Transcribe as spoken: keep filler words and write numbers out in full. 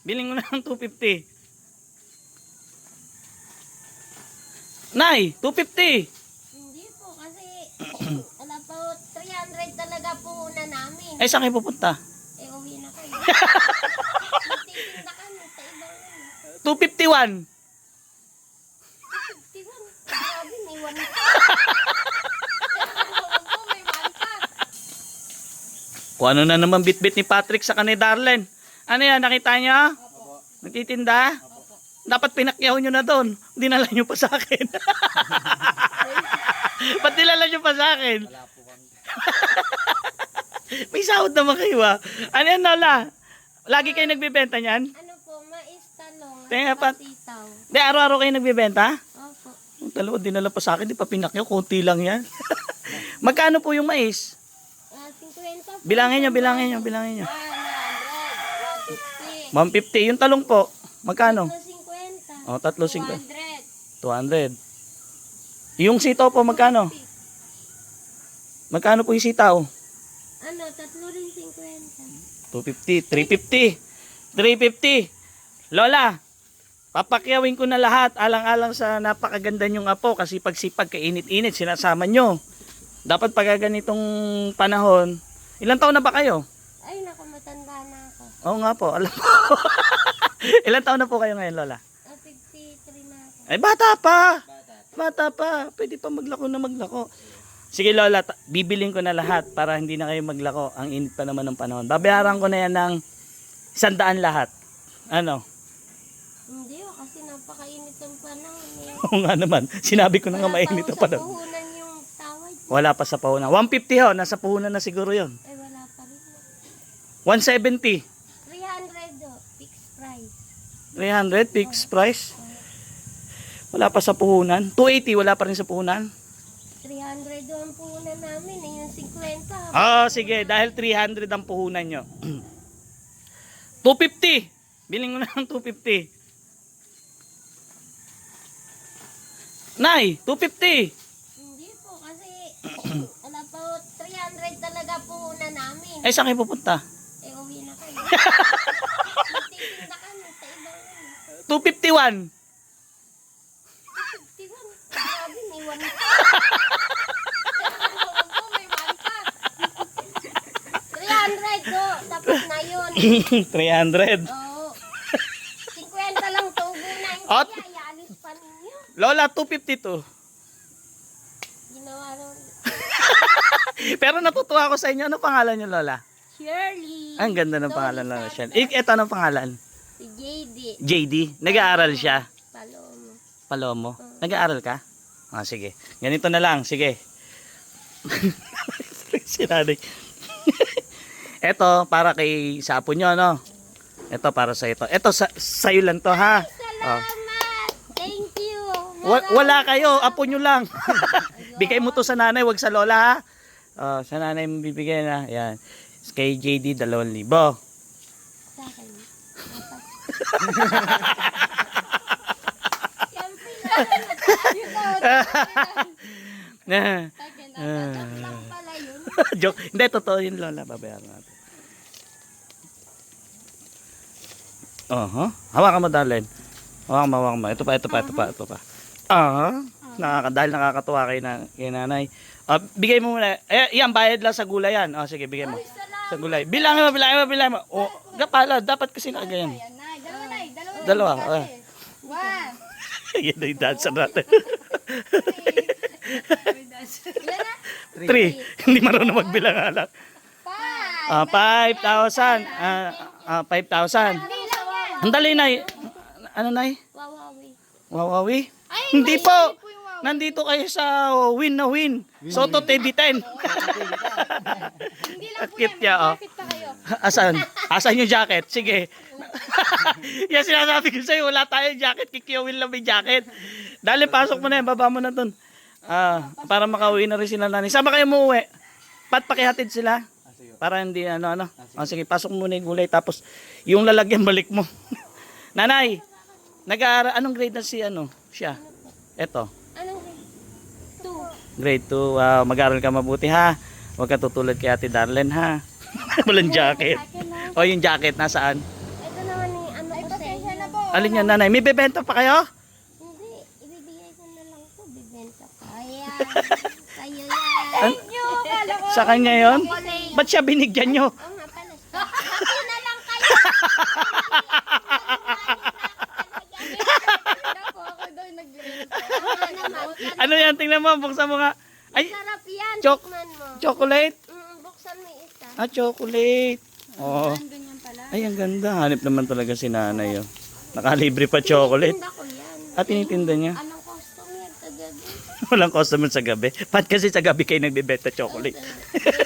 Biling mo na ng two fifty. Nay, two fifty. Hindi po kasi wala po three hundred talaga po una namin. Eh, saan kayo pupunta? Eh uwi na kayo. Magtitinda kami sa ibang ano. two fifty-one. fifty-one. Grabe, may one pa. Po, may one pa. Kung ano na naman bit-bit ni Patrick sa kanay Darlen. Ano yan, nakita niyo? Opo. Nagtitinda? Opo. Dapat pinakyaw nyo na doon. Dinala nyo pa sa akin. Ba't dinala nyo pa sa akin? Wala po kami. May sahod naman kayo ah. Ano yan, Lola? Lagi kayo nagbibenta niyan? Ano po, mais talong. Tingnan at pa- sitaw. Di, araw-araw kayo nagbibenta? Opo. Yung dalawa dinala pa sa akin, di pa pinakyaw. Konti lang yan. Magkano po yung mais? Ah, fifty po. Bilangin nyo, bilangin nyo, bilangin nyo. one hundred, one fifty. one fifty. Yung talong po, magkano? fifty. O, tatlo singko. two hundred. two hundred. Yung sitaw po, magkano? Magkano po yung sitaw? Ano, tatlo rin fifty. two fifty, three fifty. three fifty. Lola, papakyawin ko na lahat alang-alang sa napakaganda nyong apo kasi pagsipag kainit-init sinasama nyo. Dapat pag ganitong panahon, ilang taon na ba kayo? Ay, naku, matanda na ako. Oo nga po, alam ko. Ilang taon na po kayo ngayon, Lola? Ah, fifty-three na ako. Ay, bata pa. Bata. Bata pa. Pwede pa maglako na maglako. Sige, Lola, ta- bibiling ko na lahat para hindi na kayo maglako. Ang init pa naman ng panahon. Babayaran ko na yan ng sandaan lahat. Ano? Hindi, oh, kasi napakainit ang panahon. Eh. Oo nga naman. Sinabi ko na nga Wala mainit pa na ho sa panahon. puhunan yung tawad. Wala pa sa puhunan. one fifty ho. Nasa puhunan na siguro yon. Ay, wala pa rin. one seventy. three hundred, oh, fixed price. three hundred fixed price. Wala pa sa puhunan. two eighty. Wala pa rin sa puhunan. three hundred oh, ang puhunan namin. Eh, yung fifty. Ah, sige. Dahil three hundred ang puhunan nyo. two fifty. Biling mo na ng two fifty. Nay, two fifty. Hindi po, kasi wala pa ho, three hundred talaga puhunan namin. Eh, saan kayo pupunta? Eh, uwi na kayo. Magtitinda kami sa ibang ano. two fifty-one. fifty-one. Grabe, may one pa. Po, may one pa. three hundred do. Tapos na yun. three hundred. Oo. fifty lang tubo na. Hindi, At- ayalis pa ninyo. Lola, two fifty-two. Ginawa ron. Pero natutuwa ako sa inyo. Ano pangalan niyo, Lola? Shirley. Ang ganda ng Sorry, pangalan, Lola. sorry. Shen. Ito anong pangalan? Si J D. J D. Nag-aaral siya. Palomo. Palomo. Nag-aaral ka? Ah, sige. Ganito na lang. Sige. Si nanay. Ito, para kay sa apo nyo, no? Ito, para sa ito. Ito, sa, sa'yo lang to, ha? Oh. Salamat. Thank you. Wa- wala kayo, apo nyo lang. Bigay mo to sa nanay, wag sa lola, ha? Oh, sa nanay mo bibigyan, ha? Yan. Kay J D, dalawang libo. Sa akin. Siyempre lang. Joke lang pala yun. Joke. Hindi, totoo yun, lola. Babayaran natin. Uh-huh. Hawakan mo, darling. Hawakan mo, hawakan mo. Ito pa, ito pa, ito pa, ito pa. Ah, nakaka dahil nakakatuwa kay, na, kay nanay. Ah, bigay mo muna. Eh, yan, bayad lang sa gulay yan. Oh, sige, bigay mo. Ay, salamat. Sa gulay. Bilangin mo, bilangin mo, bilangin mo. Oh, gapala, dapat kasi nakaganyan. Ayan, Nay. Dalawa, Nay. Dalawa. Dalawa. Ah. One. Yan na yung dancer natin. Ilan na? Three. Hindi marunong magbilang alak. Five. Ah, five thousand. Ah, ah, five thousand. Hindi lang yan. Ang dali, Nay. Ano, Nay? Wawawi. Wawawi? Ay, Hindi may po. hindi po yung wow. Nandito kayo sa win na win. Soto T V ten. Hindi lang At po cute yan. niya, oh. May jacket pa kayo. Asan? Asan yung jacket? Sige. Yan sinasabi ko sa'yo, wala tayong jacket. Kikiyawin lang may jacket. Dali, pasok mo na yan. Baba mo na dun. Ah, para makauwi na rin sila nanay. Saan ba kayo umuwi? Pat pakihatid sila. Para hindi ano ano. Ah, sige, pasok mo muna yung gulay. Tapos, yung lalagyan balik mo. Nanay, nag-aaral, anong grade na si ano? Siya. Eto. Anong grade? Two. Grade two. Wow, mag-aaral ka mabuti ha. Huwag ka tutulad kay Ate Darlene ha. Walang jacket. Akin na. O yung jacket nasaan? Ito naman ni ano ko Alin yan, nanay? May bebenta pa kayo? Hindi, ibibigay ko na lang po, bibenta ko. Ayan, sa'yo yan. An- Yo, kala ko. sa kanya yon? Chocolate. Ba't siya binigyan nyo? Oo nga pala. Happy na lang kayo. Ako, ako daw nag-iinit. Ano naman, Ano yan? Tingnan mo, buksan mo nga. Ay, sarap yan. Chok- Tikman mo. chocolate. Mm, buksan mo yung isa. Ah, chocolate. Oo. Ganyan pala. Ay, ang ganda. Hanip naman talaga si nanay. Oh. Nakalibre pa chocolate. Tinda ko yan. At tinitinda niya. Anong customer tagad? Walang customer sa gabi. Pat kasi sa gabi kayo nagbebenta chocolate.